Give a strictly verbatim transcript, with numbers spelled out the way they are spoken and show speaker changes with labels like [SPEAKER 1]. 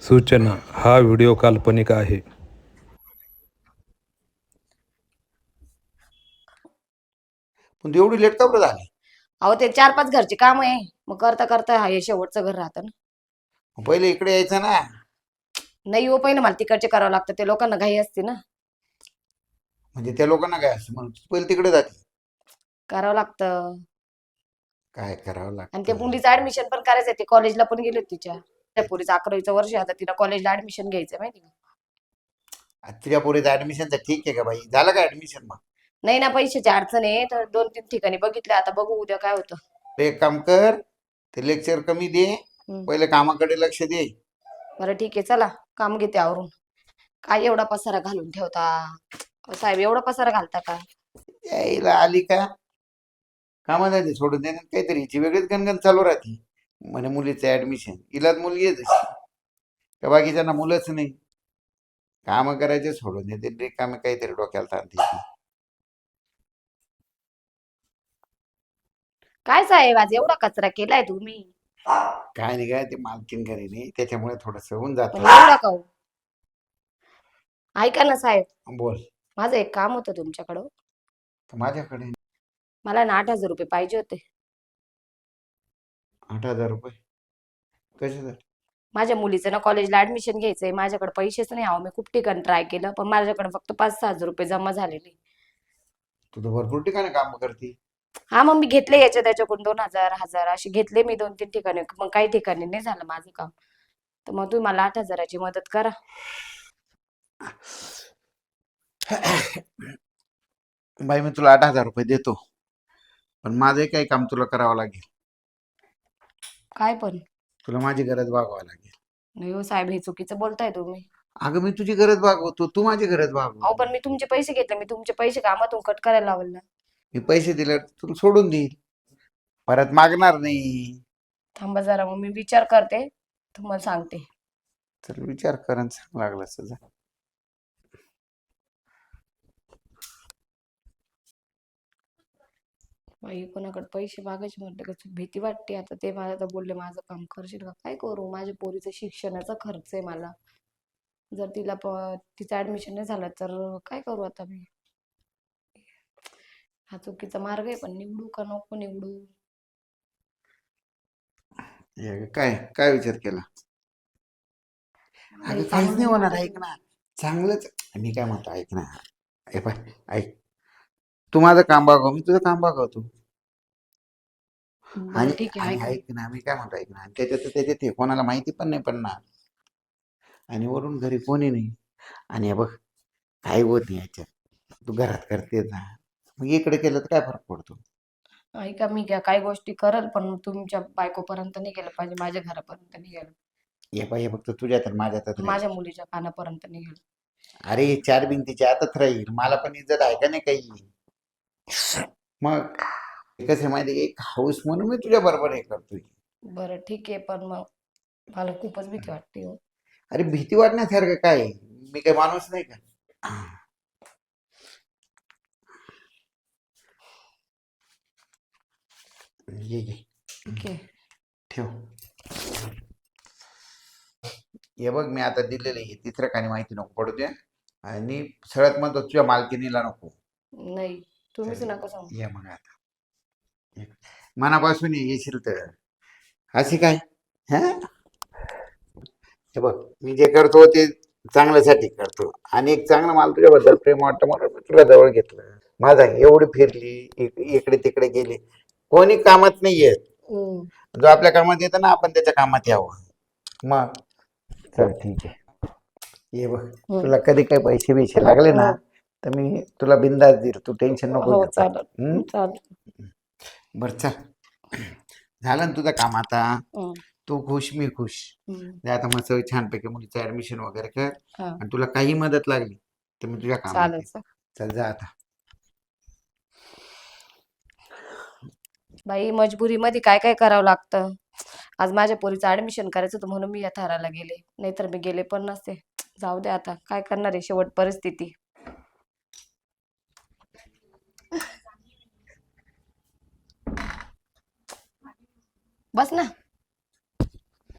[SPEAKER 1] सूचना हा व्हिडिओ काल्पनिक आहे.
[SPEAKER 2] पण तू एवढी लेट का बरं झाली?
[SPEAKER 3] अहो ते चार पाच घरचे काम आहे, मग करता करता हा हे शेवटचं घर राहतं ना.
[SPEAKER 2] पहिले इकडे यायचं ना.
[SPEAKER 3] नाही हो, पहिलं मला तिकडचे करावं लागतं, ते लोकांना घाई असते ना,
[SPEAKER 2] म्हणजे त्या लोकांना काय असं म्हणून तू पहिले तिकडे जाते.
[SPEAKER 3] करावं लागतं.
[SPEAKER 2] काय करावं
[SPEAKER 3] आणि त्या
[SPEAKER 2] लागतं?
[SPEAKER 3] मुलीचं ऍडमिशन पण करायचंय, ते कॉलेजला पण गेले होते तिच्या त्या पोरीचं अकरावीचं वर्ष आहे, आता तिला कॉलेजला ऍडमिशन घ्यायचंय माहिती का.
[SPEAKER 2] आज तुझ्या पोरीचं ऍडमिशनचं ठीक आहे का बाई? झालं का ऍडमिशन मग?
[SPEAKER 3] नाही ना, पैशाची अडचण आहे, तर दोन तीन ठिकाणी बघितले, आता बघू उद्या काय होतं.
[SPEAKER 2] ते एक काम कर, ते लेक्चर कमी दे,
[SPEAKER 3] हम्म.
[SPEAKER 2] पहिले कामाकडे लक्ष दे.
[SPEAKER 3] बरं ठीक आहे, चला काम घेते आवरून. काय एवढा पसारा घालून ठेवता अहो, साहेब एवढा पसारा घालता का?
[SPEAKER 2] यायला आली का कामाला ते सोडून दे, काहीतरी हिची वेगळीच गणगण चालू राहते. म्हणे मुलीचं ऍडमिशन, हिलाच मुलगी आहे तशी, त्या बाकीच्यांना मुलंच नाही. कामं करायचे सोडून देते, रिकामे काहीतरी डोक्याला ताण देते.
[SPEAKER 3] काय साहेब आज एवढा कचरा केलाय तुम्ही?
[SPEAKER 2] काय नाही काय, ते मालकीन घरी नाही त्याच्यामुळे थोडस होऊन जात.
[SPEAKER 3] म्हणजे एवढा का हो? ऐका ना साहेब,
[SPEAKER 2] बोल.
[SPEAKER 3] माझं एक काम होतं तुमच्याकडं.
[SPEAKER 2] तर माझ्याकडे
[SPEAKER 3] मला ना आठ हजार रुपये पाहिजे होते.
[SPEAKER 2] आठ हजार रुपये कशासाठी?
[SPEAKER 3] माझ्या मुलीचं ना कॉलेजला ऍडमिशन घ्यायचंय, माझ्याकडे पैसेच नाही. आहो मी खूप ठिकाणी ट्राय केलं, पण माझ्याकडे फक्त पाच सहा हजार रुपये जमा झालेले.
[SPEAKER 2] तू तर भरपूर ठिकाणी काम करते.
[SPEAKER 3] हा मग मी घेतले याच्या त्याच्याकडून दोन हजार हजार असे घेतले मी दोन तीन ठिकाणी, मग काही ठिकाणी नाही झालं माझं काम. तर मग तुम्ही मला आठ हजाराची मदत करा.
[SPEAKER 2] बाई मी तुला आठ हजार रुपये देतो, पण माझं काही काम तुला करावं लागेल.
[SPEAKER 3] काय पण?
[SPEAKER 2] तुला माझी गरज भागवावं लागेल.
[SPEAKER 3] नाही हो साहेब, हे चुकीचं बोलताय तुम्ही.
[SPEAKER 2] अगं मी तुझी गरज भागवतो, तू माझी गरज
[SPEAKER 3] अहो
[SPEAKER 2] भागव.
[SPEAKER 3] पण मी तुमचे पैसे घेतले, मी तुमचे पैसे कामातून कट करायला लावले ना.
[SPEAKER 2] मी पैसे दिले तुला सोडून देईल, परत मागणार नाही.
[SPEAKER 3] थांबा जरा, मग मी विचार करते, तुम्हाला सांगते.
[SPEAKER 2] तर विचार करून सांग लागलं सजा.
[SPEAKER 3] बाई कोणाकडे पैसे मागायचे म्हटलं का भीती वाटते. आता ते मला तर बोलले माझं काम करशील का, काय करू? माझ्या पोरीचं शिक्षणाचा खर्च आहे मला. जर तिला प तिचं ऍडमिशन नाही झालं तर काय करू आता मी? हा चुकीचा मार्ग आहे, पण निवडू का नको निवडू?
[SPEAKER 2] हे काय काय विचार केला? अगं
[SPEAKER 3] नाही,
[SPEAKER 2] काहीच नाही
[SPEAKER 3] चांगलं
[SPEAKER 2] होणार,
[SPEAKER 3] वाटत
[SPEAKER 2] ऐक ना. चांगलंच मी काय म्हणतो, ऐक ना. हे पाय ऐक, तू माझं काम बघाव, मी तुझं काम बघावतो.
[SPEAKER 3] बरं
[SPEAKER 2] आणि
[SPEAKER 3] ठीक आहे,
[SPEAKER 2] आणि
[SPEAKER 3] ऐका.
[SPEAKER 2] ऐक ना, मी काय म्हणतो ऐक ना, त्याच्यात त्याच्यात हे कोणाला माहिती पण नाही पडणार, आणि वरून घरी कोणी नाही. आणि हे बघ, काही होत नाही याच्यात, तू घरात करते ना, मग इकडे केलं तर काय फरक पडतो?
[SPEAKER 3] ऐका, मी काय काही गोष्टी करल, पण तुमच्या बायकोपर्यंत नाही गेलं पाहिजे, माझ्या घरापर्यंत नाही गेलं,
[SPEAKER 2] हे पाय, हे फक्त तुझ्या तर माझ्यातच राहील.
[SPEAKER 3] माझ्या मुलीच्या कानापर्यंत नाही गेलं.
[SPEAKER 2] अरे चार भिंतीच्या आतच राहील, मला पण इज्जत आहे का नाही काही? मग कसं माहिती आहे, एक हाऊस म्हणून मी तुझ्या बरोबर हे करतोय.
[SPEAKER 3] बरं ठीक आहे, पण मग मला खूपच भीती वाटते हो.
[SPEAKER 2] अरे भीती वाटण्यासारखं काय आहे? मी काही माणूस नाही का? ये ये
[SPEAKER 3] ठीक आहे.
[SPEAKER 2] ठेव. हे बघ, मी आता दिलेलं आहे, तिसऱ्या काही माहिती नको पडू दे, आणि सगळ्यात महत्त्वाचं तुझ्या मालकिनीला नको.
[SPEAKER 3] नाही, तुम्हीच
[SPEAKER 2] चल,
[SPEAKER 3] नका सांगू.
[SPEAKER 2] ये मग आता ये. मनापासून ये, येशील तर. अशी काय? हा, हे बघ, मी जे करतो ते चांगल्यासाठी करतो, आणि एक चांगलं मला तुझ्याबद्दल प्रेम वाटतं म्हणून मी तुला जवळ घेतलं. माझा एवढी फिरली, इक- इकडे तिकडे गेली, कोणी कामात नाही येत.
[SPEAKER 3] हम्म.
[SPEAKER 2] जो आपल्या कामात येतं ना, आपण त्याच्या कामात यावं. मग चल ठीक आहे, ये बघ,
[SPEAKER 3] हम्म.
[SPEAKER 2] तुला कधी काही पैसे बिशे लागले ना,
[SPEAKER 3] हो
[SPEAKER 2] तर मी तुला बिंदास देईल, तू टेन्शन नको
[SPEAKER 3] हो,
[SPEAKER 2] घेऊ.
[SPEAKER 3] चालेल
[SPEAKER 2] हम्म?
[SPEAKER 3] चालेल.
[SPEAKER 2] बरं चल, झालं ना तुझं काम आता?
[SPEAKER 3] हम्म,
[SPEAKER 2] तू खुश, मी खुश.
[SPEAKER 3] हम्म.
[SPEAKER 2] दे आता मस्त छानपैकी मुलीचं ऍडमिशन वगैरे कर,
[SPEAKER 3] हा
[SPEAKER 2] आणि तुला काही मदत लागली तर मी तुझ्या कामात
[SPEAKER 3] चालेल
[SPEAKER 2] येईल.
[SPEAKER 3] चालेल.
[SPEAKER 2] चल जा आता.
[SPEAKER 3] बाई मजबुरीमध्ये काय काय करावं लागतं. आज माझ्या पोरीचं ऍडमिशन करायचं होतं म्हणून मी या थराला गेले, नाहीतर मी गेले पण नसते. जाऊ दे, आता काय करणार आहे, शेवट परिस्थिती. बस ना.